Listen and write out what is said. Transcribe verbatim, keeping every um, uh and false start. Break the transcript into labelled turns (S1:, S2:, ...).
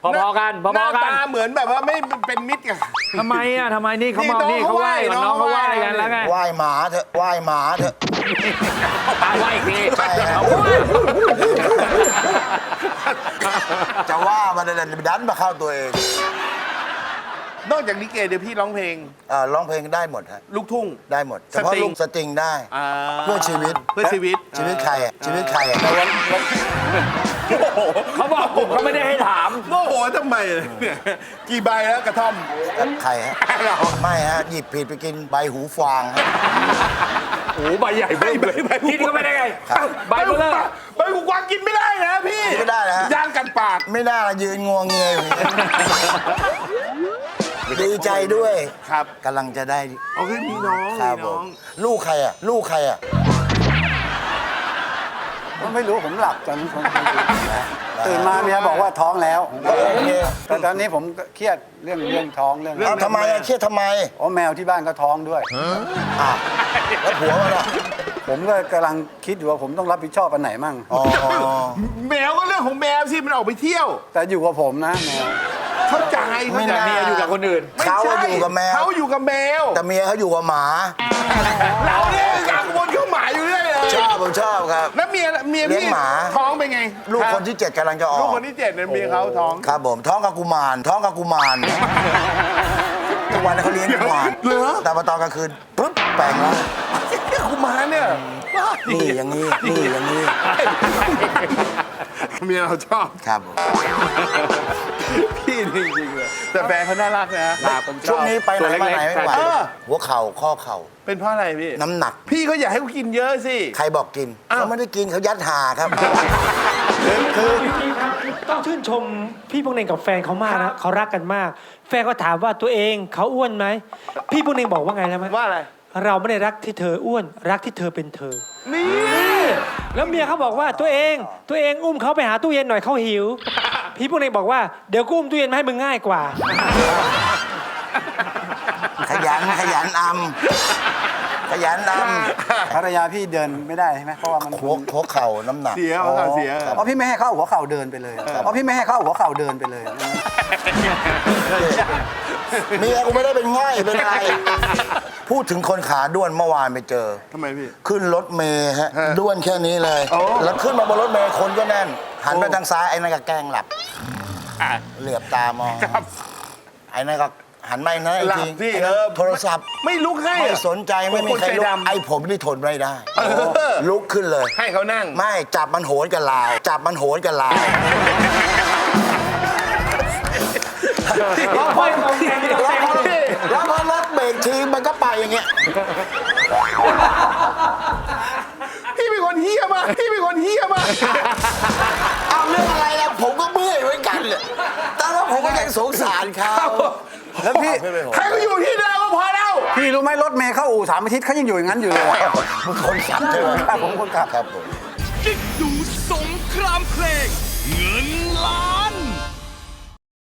S1: พอๆกันพ
S2: หน้า
S1: อๆกัน
S2: ตาเหมือนแบบว่าไม่เป็นมิตรกัน
S1: ทำไมอ่ะทำไมนี่เขามานี่เขาไหว้น้องเขาไหว้กันแล้วไง
S3: ไหว้หมาเถอะไหว้หมาเถอะ
S1: ตาไหว้อีกที
S3: ใช่ครับ จะว่ามันดันมาเข้าตัวเอง
S2: นอกจากลิเกเดี๋ยวพี่ร้องเพลง
S3: อ่าร้องเพลงได้หมดฮะ
S2: ลูกทุ่ง
S3: ได้หมดเฉพาะ
S2: สตริง
S3: ลูกสตริงได้
S2: อ่า
S3: เพื่อชีวิต
S2: เพื่อชีวิต
S3: ชีวิตใครอะชีวิตใครอะ
S1: เขาบอกผมเขาไม่ได้ให้ถาม
S2: โมโหทำไมเนี่ยกี่ใบแล้วกระท่อม
S3: ใครฮะไม่ฮะหยิบผิดไปกินใบหูฟางฮะ
S1: โอ้ใบใหญ่เบ้อเลยพี่นี่ก็ไม่ได้ไง
S3: ครับ
S1: ใบเบ้อ
S2: ใบหูกวางกินไม่ได้นะพี่
S3: กินไม่ได้นะฮะ
S2: ย่างกันปาก
S3: ไม่น่าละยืนงวงเงียอยู่อย่างนี้ดีใจด้วย
S2: ครับ
S3: กำลังจะได้
S2: เอาคือมีน้อง
S3: ครั
S2: มี
S3: บผ
S2: น้อ
S3: ม
S2: ง
S3: ลูกใครอ่ะ ลูกใครอ่ะ
S4: ไม่รู้ผมหลับตอนนี้ผมตื่นมาเมียบอกว่าท้องแล้ว
S3: โอเค
S4: แต่ตอนนี้ผมก็เครียดเรื่องเรื่องท้องเรื่อง
S3: เอาทำไมอะเครียดทำไม
S4: อ๋อแมวที่บ้านก็ท้องด้วย
S3: อ่ะแล้วผัวมันอ่ะ
S4: ผมก็กำลังคิดอยู่ว่าผมต้องรับผิดชอบอันไหนมั่ง
S3: อ๋อ
S2: แมวก็เรื่องของแมวสิมันออกไปเที่ยว
S4: แต่อยู่กับผมนะแมว
S2: เข้าใจ
S3: ไม่
S2: เข้าใจ
S3: น่า
S1: เมียอยู่กับคนอื่น
S2: ไม่
S3: เขา
S2: ใช่
S3: อยู่กับแมว
S2: เขาอยู่กับแมว
S3: แต่เมียเขาอยู่กับหมา
S2: เราเนี่ยกังวลเข้าหมาอยู่เรื่อยเลย
S3: ชอบผมชอบครับ
S2: แล้วเมียเมีย
S3: เลี้ยง
S2: พี่
S3: หมา
S2: ท้องเป็นไง
S3: ลูกคนที่เจ็ดกำลังจะออก
S2: ลูกคนที่เจ็ดเนี่ยเมียเขาท้อง
S3: ครับผมท้องกับกุมารท้องกับกุมารทุกวันนี้เขาเลี้ยงกุมาร
S2: เหรอ
S3: แต่พอตอนกลางคืนปุ๊บแปลงแล้ว
S2: กุมารเนี่ย
S3: นี่อย่างนี้นี่อย่างนี้
S2: เมียเราชอบ
S3: ครับผม
S2: พี่จริงๆเลยแต่แฟนเขาน่ารักนะ
S3: ช่วงนี้ไปไหนมาไหนไม่ไหว
S2: เออ
S3: หัวเข่าข้อเข่า
S2: เป็นเพราะอะไรพี่
S3: น้ำหนัก
S2: พี่เขาอยากให้เขากินเยอะสิ
S3: ใครบอกกิน
S2: อ้าว
S3: เขาไม่ได้กินเขายัดหาครับ
S5: ต้องชื่นชมพี่พวกเน่งกับแฟนเขามากนะเขารักกันมาก แฟนก็ถามว่าตัวเองเขาอ้วนไหมพี่พวกเน่งบอกว่าไงแล้วไหม
S2: ว่าอะไร
S5: เราไม่ได้รักที่เธออ้วน รักที่เธอเป็นเธอ
S2: นี่
S5: แล้วเมียเขาบอกว่าตัวเองตัวเองอุ้มเขาไปหาตู้เย็นหน่อยเขาหิว พี่พวกเน่งบอกว่าเดี๋ยวกูอุ้มตู้เย็นมาให้มึงง่ายกว่า
S3: ขยันขยันอำขยันอ
S4: ภรรยาพี่เดินไม่ได้ใช่ไหมเพราะว่ามัน
S3: ำหัวหัวเข่าน้ำหนัก
S2: เสียเอาค่ะเสีย
S4: เพราะพี่ไม่ให้เข้าหัวเข่าเดินไปเลยเพราะพี่ไม่ให้เข้าหัวเข่าเดินไปเลย
S3: เมียกูไม่ได้เป็นง่อยเป็นอะไร พูดถึงคนขาด้วนเมื่อวานไปเจอ
S2: ทำไมพี่
S3: ขึ้นรถเมย์ฮะ
S2: ฮะ
S3: ด้วนแค่นี้เลย
S2: โอ้
S3: แล้วขึ้นมาบนรถเมย์คนก็แน่น หันไปทางซ้ายไอ้นั่นก็แกล้งหลับ
S2: อ่ะ
S3: เหลือบตามอง
S2: ครับ
S3: ไอ้นั่นก็หันไปนั่น
S2: หลับ
S3: จริง
S2: สิ
S3: ไอ้
S2: เอ
S3: นั่น
S2: อ
S3: โทรศัพท์
S2: ไม่ลุกให้
S3: ไม่
S2: อะ
S3: สนใจไม่มีใคร
S2: คน
S3: ลุ
S2: ใจ
S3: ก
S2: ดำ
S3: ไอ้ผมนี่ทนไม่ได้
S2: เออ
S3: ลุกขึ้นเลย
S2: ให้เขานั่ง
S3: ไม่จับมันโหนกับลาว จับมันโหนกับลาว
S5: เราค่อยตรงแกงตรงแกง
S3: แล้วพอรถเบรกทีมันก็ไปอย่างเงี้ย
S2: พี่เป็นคนเฮี้ยมากพี่เป็นคนเฮี้ยมาก
S3: เอาเรื่องอะไรล่ะผมก็เมื่อยเหมือนกันเลยแต่ว่าผมก็ยังสงสารเขา
S4: แล้วพี่
S2: ให้เขาอยู่ที่เดิมก็พอแล้ว
S4: พี่รู้ไหมรถเมย์เข้าอู่สามอาทิตย์เขายังอยู่อย่างนั้นอยู่เลย
S3: มึงคนขับใช่ไหม
S4: ครับผมคนขับ
S3: ครับผม
S6: กิ๊กดูสงครามเพลง เงินล้าน